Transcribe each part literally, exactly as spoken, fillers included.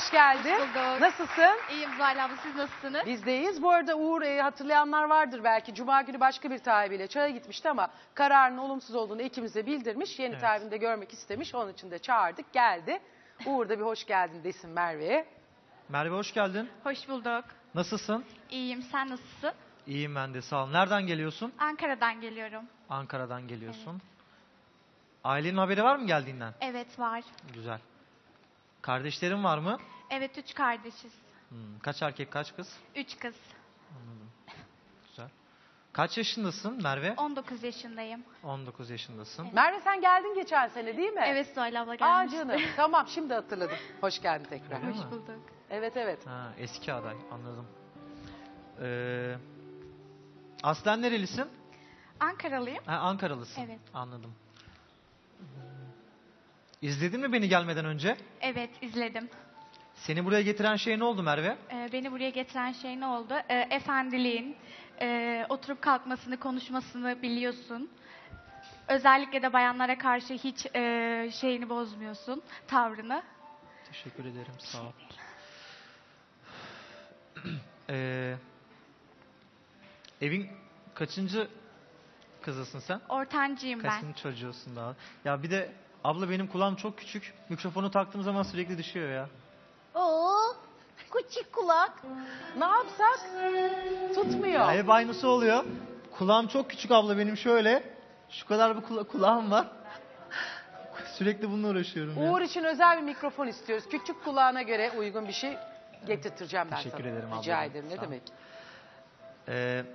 hoş geldin. Hoş bulduk. Nasılsın? İyiyim Zuhal abla, siz nasılsınız? Bizdeyiz. Bu arada Uğur e, hatırlayanlar vardır belki. Cuma günü başka bir tabiyle çaya gitmişti ama kararının olumsuz olduğunu ikimize bildirmiş. Yeni Evet. tabini de görmek istemiş. Onun için de çağırdık. Geldi. Uğur da bir hoş geldin desin Merve'ye. Merve hoş geldin. Hoş bulduk. Nasılsın? İyiyim, sen nasılsın? İyiyim ben de sağ ol. Nereden geliyorsun? Ankara'dan geliyorum. Ankara'dan geliyorsun. Ailenin haberi var mı geldiğinden? Evet, var. Güzel. Kardeşlerin var mı? Evet, üç kardeşiz. Hmm, kaç erkek kaç kız? Üç kız. Güzel. Kaç yaşındasın Merve? on dokuz yaşındayım. on dokuz yaşındasın. Merve sen geldin geçen sene değil mi? Evet Zuhal abla Aa gelmişti. canım. Tamam şimdi hatırladım. Hoş geldin tekrar. Öyle Hoş mi? bulduk. Evet evet. Ha, eski aday anladım. Ee, aslen nerelisin? Ankaralıyım. Ha, Ankaralısın. Evet. Anladım. Hmm. İzledin mi beni gelmeden önce? Evet, izledim. Seni buraya getiren şey ne oldu Merve? Ee, beni buraya getiren şey ne oldu? Ee, efendiliğin, e, oturup kalkmasını, konuşmasını biliyorsun. Özellikle de bayanlara karşı hiç e, şeyini bozmuyorsun, tavrını. Teşekkür ederim. Sağ ol. Ee, evin kaçıncı kızısın sen? Ortancıyım ben. Kaçıncı çocuğusun daha? Ya bir de abla benim kulağım çok küçük. Mikrofonu taktığım zaman sürekli düşüyor ya. Oo, küçük kulak. Ne yapsak? Tutmuyor. Ya hep aynısı oluyor. Kulağım çok küçük abla benim şöyle. Şu kadar bir kula- kulağım var. Sürekli bununla uğraşıyorum ya. Uğur için özel bir mikrofon istiyoruz. Küçük kulağına göre uygun bir şey getirteceğim ben Teşekkür sana. ederim Rica ablacığım, ederim ne sağ ol. demek. Ee,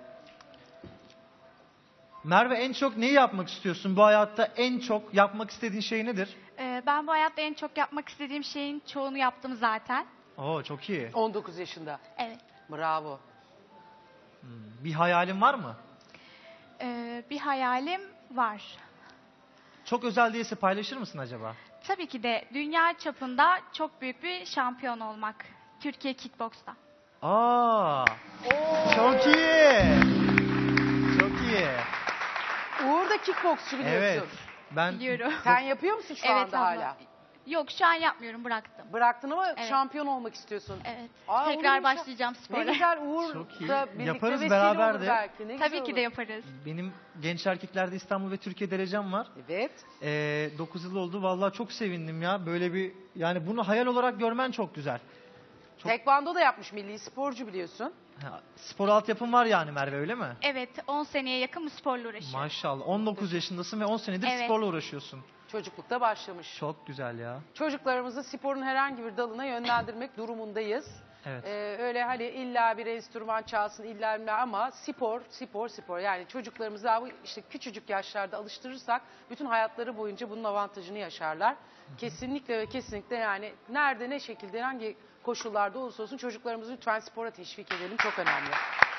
Merve en çok neyi yapmak istiyorsun? Bu hayatta en çok yapmak istediğin şey nedir? Ee, ben bu hayatta en çok yapmak istediğim şeyin çoğunu yaptım zaten. Oo çok iyi. on dokuz yaşında. Evet. Bravo. Hmm, Bir hayalin var mı? Ee, bir hayalim var. Çok özel değilse paylaşır mısın acaba? Tabii ki de dünya çapında çok büyük bir şampiyon olmak. Türkiye Kickbox'ta. Aa, çok iyi. Çok iyi. Uğur da kickboksçu biliyorsun. Evet. Ben Biliyorum. Sen yapıyor musun şu evet anda abla. hala? Yok, şu an yapmıyorum, bıraktım. Bıraktın ama Evet. şampiyon olmak istiyorsun. Evet. Aa, olur Tekrar mu? başlayacağım Ne spora. güzel Uğur Çok iyi. da birlikte Yaparız vesile beraber olur de. belki. Ne güzel Tabii ki olur. de yaparız. benim genç erkeklerde İstanbul ve Türkiye derecem var. Evet. Ee, dokuz yıl oldu. Vallahi çok sevindim ya. Böyle bir yani bunu hayal olarak görmen çok güzel. Çok- Tekvando da yapmış, milli sporcu biliyorsun. Ha, spor altyapın var yani Merve öyle mi? Evet, on seneye yakın bu sporla uğraşıyorum. Maşallah. on dokuz yaşındasın ve on senedir Evet. sporla uğraşıyorsun. Çocuklukta başlamış. Çok güzel ya. Çocuklarımızı sporun herhangi bir dalına yönlendirmek durumundayız. Evet. Ee, öyle hani illa bir enstrüman çalsın illa bir ama spor, spor, spor. Yani çocuklarımızı daha bu işte küçücük yaşlarda alıştırırsak bütün hayatları boyunca bunun avantajını yaşarlar. Kesinlikle ve kesinlikle yani nerede ne şekilde hangi koşullarda olursa olsun çocuklarımızı lütfen spora teşvik edelim. Çok önemli.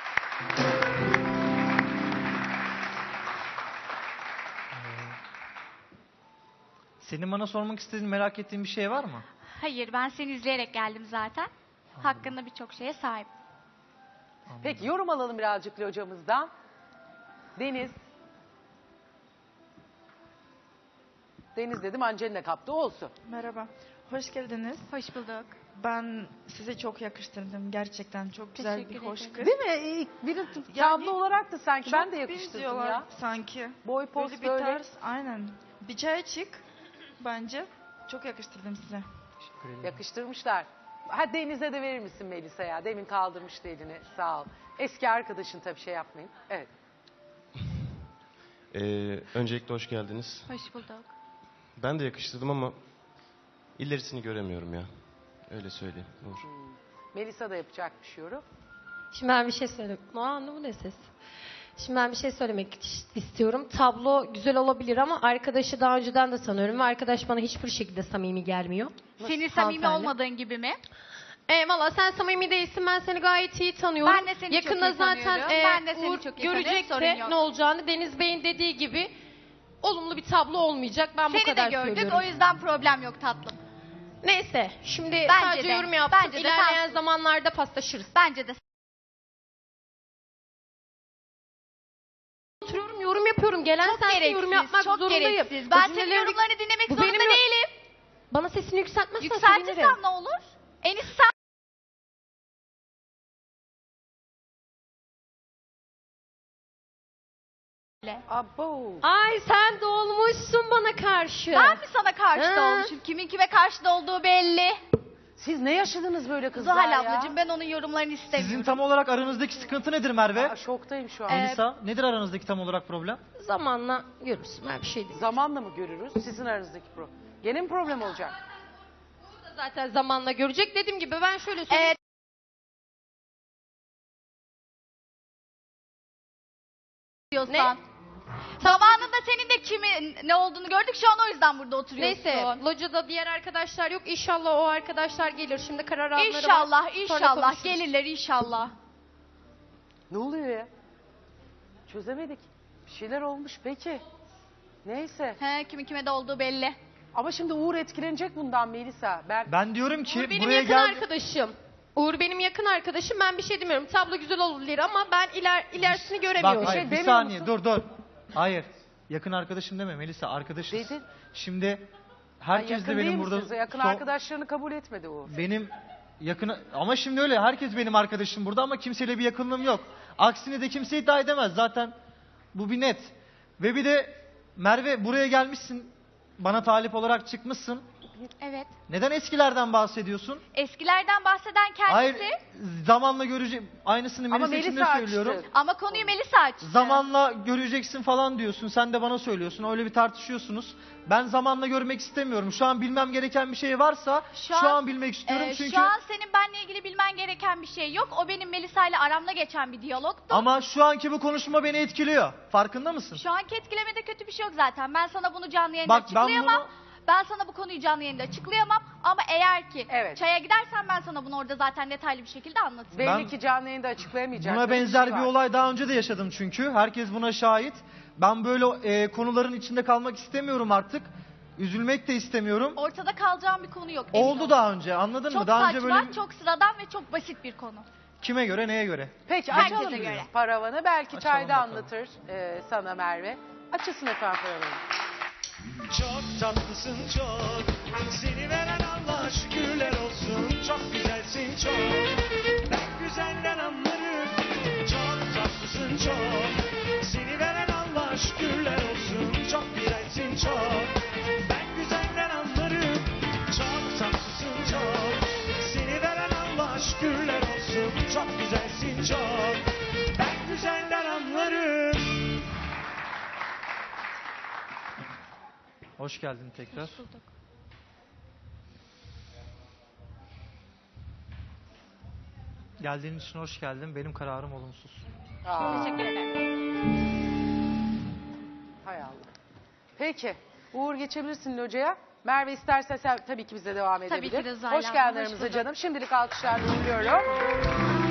Senin bana sormak istediğin, merak ettiğin bir şey var mı? Hayır, ben seni izleyerek geldim zaten. Hakkında birçok şeye sahip. Peki yorum alalım birazcık hocamızdan. Deniz. Deniz dedim Angelina kaptı olsun. Merhaba, hoş geldiniz. Hoş bulduk. Ben size çok yakıştırdım. Gerçekten çok güzel bir Teşekkür hoş ederim. kız. Değil mi? İlk biri tablo Yani olarak da sanki ben de Çok yakıştırdım benziyorlar ya. sanki. Boy poz Böyle bir böyle. tarz, aynen. Bir çaya çık bence. Çok yakıştırdım size. Teşekkür ederim. Yakıştırmışlar. Ha Deniz'e de verir misin Melisa ya? Demin kaldırmıştı elini. Sağ ol. Eski arkadaşın tabii şey yapmayın. Evet. Ee, öncelikle hoş geldiniz. Hoş bulduk. Ben de yakıştırdım ama ilerisini göremiyorum ya. Öyle söyleyeyim. Uğur. Melisa da yapacakmış yorum. Şimdi ben bir şey söyleyeyim. Aa, ne bu ne ses? Şimdi ben bir şey söylemek istiyorum. Tablo güzel olabilir ama arkadaşı daha önceden de tanıyorum ve arkadaş bana hiçbir şekilde samimi gelmiyor. Senin samimi Hanımefendi. olmadığın gibi mi? E, valla sen samimi değilsin, ben seni gayet iyi tanıyorum. Ben de seni Yakında çok iyi zaten tanıyorum. e, Ben de seni Uğur çok iyi tanıyorum, görecek sorun de yok. ne olacağını. Deniz Bey'in dediği gibi olumlu bir tablo olmayacak. Ben bu Seni de kadar gördük, söylüyorum. o yüzden problem yok tatlım. Neyse, şimdi Bence sadece de, yorum yaptık. bence de İlerleyen sen- zamanlarda paslaşırız. Bence de. Oturuyorum, yorum yapıyorum. Gelen Çok sensin, gereksiz, yorum yapmak çok zorundayım. gereksiz. Bu Ben senin cümleleri- yorumlarını dinlemek Bu zorunda benim yo- değilim. Bana sesini yükseltmezsen Yükseltirsem sevinirim. ne olur? En iyisi sen Abo. Ay sen dolmuşsun bana karşı. ben mi sana karşı da Ha. olmuşum? Kimin kime karşı da olduğu belli. Siz ne yaşadınız böyle kızlar Zuhal ya? ablacığım ben onun yorumlarını istemiyorum. Sizin tam olarak aranızdaki sıkıntı nedir Merve? Aa, şoktayım şu an. Ee, Melisa, nedir aranızdaki tam olarak problem? Zamanla görürsün, ben bir şey diyeyim. Zamanla mı görürüz sizin aranızdaki problem? Gene mi problem olacak? Zaten zamanla görecek. Dediğim gibi ben şöyle söyleyeyim. Evet. diyorsan. Ne? Zamanında senin de kimin ne olduğunu gördük. Şu an o yüzden burada oturuyorsun. Neyse, locada diğer arkadaşlar yok. İnşallah o arkadaşlar gelir. Şimdi karar almaları var. İnşallah, Sonra inşallah konuşuruz. gelirler inşallah. Ne oluyor ya? Çözemedik. Bir şeyler olmuş peki. Neyse. He, kimin kime de olduğu belli. Ama şimdi Uğur etkilenecek bundan Melisa. Ben Ben diyorum ki Uğur benim buraya yakın gel. arkadaşım. Uğur benim yakın arkadaşım. Ben bir şey demiyorum. Tablo güzel olabilir ama ben iler, ilerisini göremiyorum. Bak hayır, şey bir demiyor saniye musun? dur dur. Hayır. Yakın arkadaşım deme Melisa, arkadaşız. Dedin. Şimdi Ay, herkes yakın de benim değil burada misiniz? Yakın son- arkadaşlarını kabul etmedi Uğur. benim yakın ama şimdi öyle herkes benim arkadaşım burada ama kimseyle bir yakınlığım yok. Aksini de kimse iddia edemez zaten. Bu bir net. Ve bir de Merve buraya gelmişsin. Bana talip olarak çıkmışsın. Evet. Neden eskilerden bahsediyorsun? Eskilerden bahseden kendisi. Hayır, zamanla görecek. Aynısını Ama Melisa için de Melisa söylüyorum. açtı. Ama konuyu Melisa açtı. Zamanla göreceksin falan diyorsun. Sen de bana söylüyorsun. Öyle bir tartışıyorsunuz. Ben zamanla görmek istemiyorum. Şu an bilmem gereken bir şey varsa şu, Şu an, an- bilmek istiyorum. Ee, çünkü Şu an senin benle ilgili bilmen gereken bir şey yok. O benim Melisa ile aramda geçen bir diyalogtu. ama şu anki bu konuşma beni etkiliyor. Farkında mısın? Şu anki etkilemede kötü bir şey yok zaten. Ben sana bunu canlı yayında Bak, ben açıklayamam. bunu- Ben sana bu konuyu canlı yayında açıklayamam. Ama eğer ki Evet. çaya gidersen ben sana bunu orada zaten detaylı bir şekilde anlatırım. Belli Ben- ki canlı yayında açıklayamayacak. Buna Böyle benzer şey bir var. olay daha önce de yaşadım çünkü. Herkes buna şahit. Ben böyle e, konuların içinde kalmak istemiyorum artık. Üzülmek de istemiyorum. Ortada kalacağım bir konu yok. emin Oldu ol. daha önce, anladın Çok mı? Daha saçma, önce böyle çok sıradan ve çok basit bir konu. kime göre, neye göre? Peki Herkese açalım biz göre. paravanı. Belki Açalım çayda bakalım. anlatır e, sana Merve. Açılsın efendim paravanı. Çok tatlısın çok. Seni veren Allah şükürler olsun. Çok güzelsin çok. Ben güzelden anlarım. Çok tatlısın çok. Seni veren Allah şükürler olsun. Çok güzelsin çok. Ben güzelden anlarım. Çok tatlısın çok. Seni veren Allah şükürler olsun. Çok güzelsin çok. Ben güzelden anlarım. Hoş geldin tekrar. Geldiğin için hoş geldin. Benim kararım olumsuz. Aa, Teşekkür ederim. hay Allah. Peki. Uğur geçebilirsin locaya. Merve istersen sen tabii ki bize devam Tabii edebilir. ki de Zuhal Hoş abla, geldin hoş aramıza bulduk. canım. Şimdilik alkışlarla uğurluyorum.